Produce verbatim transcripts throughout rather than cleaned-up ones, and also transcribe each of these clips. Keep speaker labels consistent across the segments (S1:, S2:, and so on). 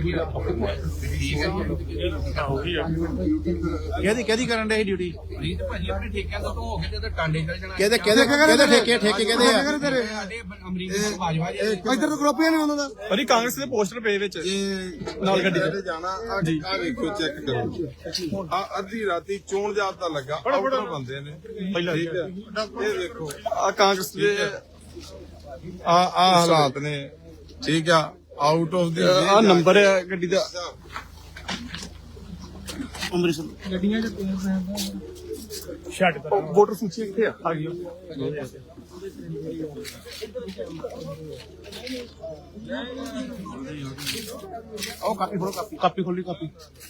S1: ਕਿਹਦੀ ਕਿਹਦੀ ਕਰਨ ਦੇ ਡਿਊਟੀ
S2: ਨਹੀਂ ਤੇ ਭਾਜੀ ਆਪਣੇ ਠੇਕਿਆਂ ਤੋਂ ਹੋ ਕੇ ਤੇ ਟਾਂਡੇ ਚੱਲ ਜਾਣਾ
S1: ਕਿਹਦੇ ਕਿਹਦੇ ਕਿਹਦੇ ਠੇਕੇ ਠੇਕੇ ਕਿਹਦੇ ਆ
S2: ਸਾਡੇ ਅਮਰੀਕਾ ਬਾਜਵਾ ਜੀ
S3: ਇੱਧਰ ਤੋਂ ਗਰੁੱਪੀਆਂ ਨਹੀਂ ਉਹਨਾਂ ਦਾ
S4: ਭਾਜੀ ਕਾਂਗਰਸ ਦੇ ਪੋਸਟਰ ਪਏ ਵਿੱਚ ਨਾਲ ਗੱਡੀ
S5: ਤੇ ਜਾਣਾ ਆ ਵੇਖੋ ਚੈੱਕ ਕਰੋ ਆ ਅੱਧੀ ਰਾਤੀ ਚੋਣ ਜਾਬਤਾ ਲੱਗਾ ਆਊਟਰ ਬੰਦੇ ਨੇ
S4: ਪਹਿਲਾਂ
S5: ਠੀਕ ਹੈ ਇਹ ਵੇਖੋ
S4: ਆ ਕਾਂਗਰਸ ਦੇ
S5: ਆ ਆ ਹਾਲਾਤ ਨੇ ਠੀਕ ਆ ਆਊਟ ਆਫ ਦੀ
S4: ਆ ਨੰਬਰ ਹੈ ਗੱਡੀ ਦਾ
S1: ਅੰਮ੍ਰਿਤਸਰ
S3: ਗੱਡੀਆਂ ਚ
S4: ਛੱਡ ਵੋਟਰ ਸੂਚੀ ਕਿੱਥੇ ਆ ਆ ਗਈ
S1: ਉਹ ਕਾਪੀ ਫੜੋ ਕਾਪੀ ਕਾਪੀ ਖੋਲੀ ਕਾਪੀ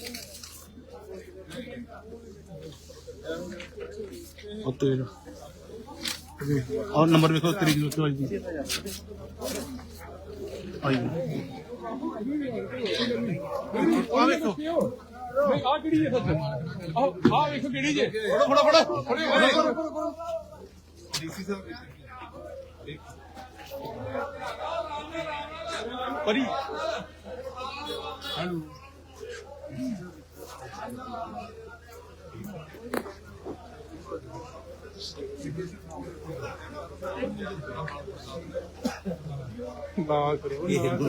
S1: ਉੱਤੇ और नंबर देखो तरीक देखो आज दी आई आ देखो
S4: ਨਹੀਂ ਆ ਕਿਹੜੀ ਹੈ ਸੱਚ ਆ ਆ ਵੇਖੋ ਕਿਹੜੀ ਜੇ ਫੜੋ ਫੜੋ ਫੜੋ
S5: ਡੀਸੀ ਸਾਹਿਬ
S4: ਪਰੀ
S5: ਹੈਲੋ
S4: ਬਾਲ ਕਰਿਓ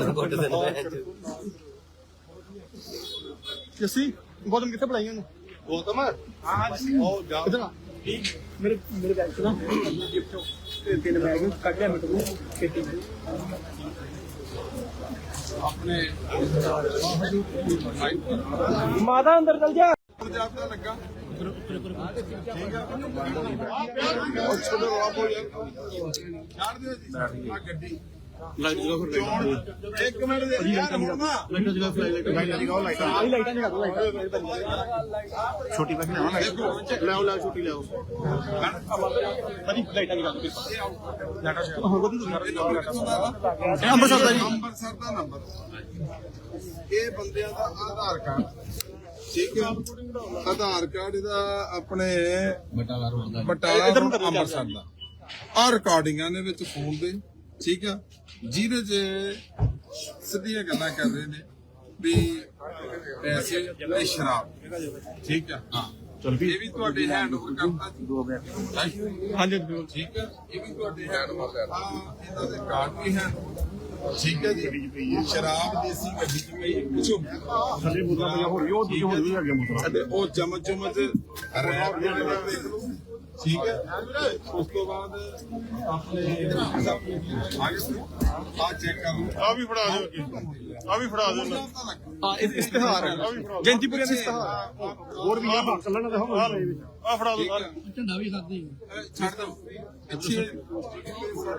S4: ਜੱਸੀ ਗੋਦਮ ਕਿੱਥੇ ਪੜਾਈਆਂ ਨੂੰ
S5: ਗੌਤਮ ਹਾਂ ਜੀ ਉਹ ਜਾ
S3: ਮੇਰੇ ਮੇਰੇ ਬੈਗ ਚ ਨਾ ਗਿਫਟ ਤੇ ਤਿੰਨ ਬੈਗ ਕੱਢ ਲਿਆ ਮੇਰੇ ਕੋਲ ਖੇਤੀ
S5: ਆਪਣੇ
S3: ਮਾਤਾ ਅੰਦਰ ਚਲ ਜਾ
S5: ਜਾਬਤਾ ਲੱਗਾ ਠੀਕ ਆ ਉਹ ਛੋੜੋ ਰੌਲਾ ਪੋ ਯਾਰ ਛੱਡ ਦਿਓ ਜੀ ਆ ਗੱਡੀ
S1: लाइट जगह फिर
S5: ਚੋਣ ਇੱਕ ਮਿੰਟ ਦੇ ਯਾਰ ਹੁਣ ਨਾ
S1: लाइट जगह फ्लाई लाइट लाइट जगह लाइट
S3: ਆਹੀ ਲਾਈਟਾਂ ਜਗਾ ਦੋ ਲਾਈਟਾਂ
S1: छोटी पैक ना लाइट ले आओ ले आओ छोटी ले आओ
S4: ਭਾਜੀ ਲਾਈਟਾਂ ਦੀ ਗੱਲ
S1: हो गई
S5: ਇਹ
S1: ਅੰਮ੍ਰਿਤਸਰ ਦਾ ਜੀ
S5: ਅੰਮ੍ਰਿਤਸਰ ਦਾ ਨੰਬਰ ਇਹ ਬੰਦਿਆਂ ਦਾ ਆਧਾਰ ਕਾਰਡ ਠੀਕ ਹੈ ਆਧਾਰ ਕਾਰਡ ਇਹਦਾ ਆਪਣੇ
S2: ਬਟਾਲਾ ਰੋਡ ਦਾ
S5: ਬਟਾਲਾ ਰੋਡ ਅੰਮ੍ਰਿਤਸਰ ਦਾ ਆ ਰਿਕਾਰਡਿੰਗਾਂ ਦੇ ਵਿੱਚ ਫੋਨ ਦੇ ਠੀਕ ਆ ਜਿਹਦੇ ਚ ਸਿੱਧੀਆਂ ਗੱਲਾਂ ਕਰ ਰਹੇ ਨੇ ਵੀ ਪੈਸੇ ਤੇ ਸ਼ਰਾਬ ਠੀਕ ਆ ਹਾਂ ਚਲ ਵੀ ਇਹ ਵੀ ਤੁਹਾਡੇ ਹੈਂਡ ਓਵਰ ਕਰਤਾ ਜੀ
S4: ਹਾਂਜੀ
S5: ਠੀਕ ਹੈ ਇਹ ਵੀ ਤੁਹਾਡੇ ਹੈਂਡ ਓਵਰ ਕਰਤਾ ਇਹਨਾਂ ਦੇ ਕਾਰਡ ਵੀ ਹੈ ਠੀਕ ਹੈ ਜੀ ਸ਼ਰਾਬ ਦੇਸੀ ਗੱਡੀ ਚ ਪਈ ਪਿੱਛੋਂ
S1: थल्ले बोतल पईया होर ਉਹ ਦੂਜੀ ਹੋਰ ਵੀ ਆ ਗਿਆ ਮੋਟਰ
S5: ਅਤੇ ਉਹ ਚਮਚ ਚਮਚ ਰੈਪ ਜਿਹੜੇ ਨੇ ਦੇਖ ਲਓ ਠੀਕ ਹੈ ਉਸ ਤੋਂ ਬਾਅਦ ਆਪਣੇ ਆਗੇ ਆ ਚੈੱਕ ਕਰ ਲਓ
S4: ਆ ਵੀ ਫੜਾ ਦਿਓ ਅੱਗੇ ਆ ਵੀ ਫੜਾ ਦਿਓ ਆ ਇਸ਼ਤਿਹਾਰ ਹੈ ਜੈਂਤੀਪੁਰੀਆ ਦਾ ਇਸ਼ਤਿਹਾਰ
S1: ਹੋਰ ਵੀ ਆ ਚੱਲਣਾ ਤੇ ਹੋ
S4: ਆ ਫੜਾ ਦਿਓ
S2: ਝੰਡਾ ਵੀ ਖਾਦੇ
S5: ਛੱਡ ਦਿਓ ਪਿੱਛੇ